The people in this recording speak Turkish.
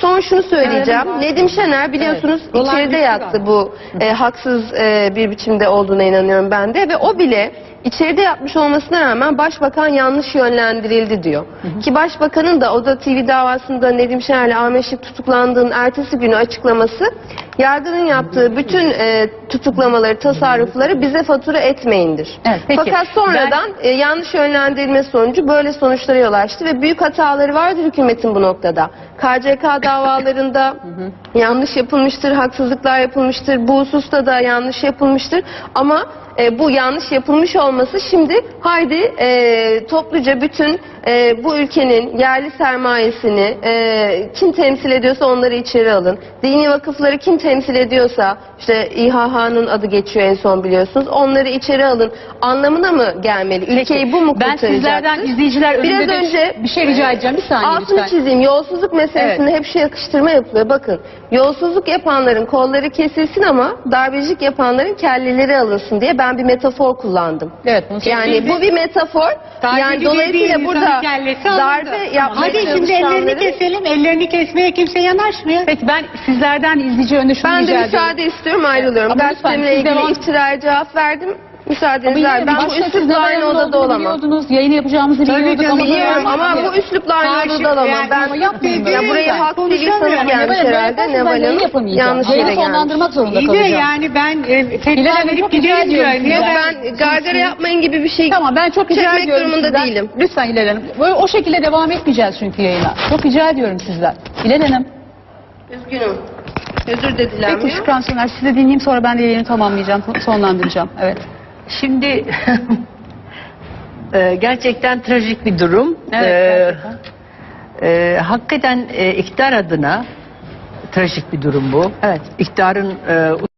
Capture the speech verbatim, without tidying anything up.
Son şunu söyleyeceğim. Evet. Nedim Şener biliyorsunuz Evet. içeride Olan yattı bir bu e, haksız e, bir biçimde olduğuna inanıyorum ben de ve o bile içeride yapmış olmasına rağmen başbakan yanlış yönlendirildi diyor. Hı hı. Ki başbakanın da Oda T V davasında Nedim Şener'le Ahmet Şık tutuklandığının ertesi günü açıklaması, yargının yaptığı bütün e, tutuklamaları, tasarrufları bize fatura etmeyindir. Evet, peki. Fakat sonradan ben... e, yanlış yönlendirilme sonucu böyle sonuçlara yol açtı ve büyük hataları vardır hükümetin bu noktada. K C K davalarında yanlış yapılmıştır, haksızlıklar yapılmıştır, bu hususta da yanlış yapılmıştır ama e, bu yanlış yapılmış olması şimdi haydi e, topluca bütün e, bu ülkenin yerli sermayesini e, kim temsil ediyorsa onları içeri alın. Dini vakıfları kim temsil ediyorsa işte İ H H'nın adı geçiyor en son biliyorsunuz. Onları içeri alın anlamına mı gelmeli? Ülkeyi bu mu kurtaracaktır? Ben sizlerden izleyiciler önünde Biraz de önce bir şey rica edeceğim. Bir saniye altını lütfen. çizeyim. Yolsuzluk meselesinde Evet. hep şu yakıştırma yapılıyor. Bakın yolsuzluk yapanların kolları kesilsin ama darbecilik yapanların kelleleri alınsın diye ben bir metafor kullandım. Evet, bunu Yani bu bir metafor. Yani dolayısıyla burada darbe yapmaya Hadi şimdi ellerini keselim. Ellerini kesmeye kimse yanaşmıyor. Peki ben sizlerden izleyici önünde şunu ben de rica ediyorum. müsaade istiyorum ayrılıyorum. Ama lütfen, Gazetemle siz ilgili devam- iftiraya cevap verdim. Müsaadenizle Ama yine ben bu başta siz üslupla aynı Neval'in odada olduğunu olamam. biliyordunuz, yayını yapacağımızı Tabii biliyorduk canım, ama Biliyorum böyle- ama bu üslupla aynı Karşı- odada olamam. yani Ben ama yapmayın ya böyle. burayı Ben halk konuşamıyorum. bilgisayarı Ama gelmiş Neval Hanım, herhalde. ben Neval yayını Hanım yapamayacağım. yanlış Yayını yere gelmiş. sonlandırmak zorunda İyi de kalacağım. yani ben e, Hilal tekrar Hanım, verip çok rica giderim ediyorum diyorum. sizden. Ya Ben gargara yapmayın gibi bir şey Tamam, ben çok rica çekmek ediyorum durumunda sizden. değilim. Lütfen Hilal Hanım. Böyle o şekilde devam etmeyeceğiz çünkü yayına. Çok rica ediyorum sizden. Hilal Hanım. Üzgünüm. Özür de Peki dilenmiyor. Şükran Soner, sizi de dinleyeyim, sonra ben de yayını tamamlayacağım, sonlandıracağım. Evet. Şimdi e, gerçekten trajik bir durum. Evet, E, gerçekten. e, hakikaten e, iktidar adına trajik bir durum bu. Evet. İktidarın e,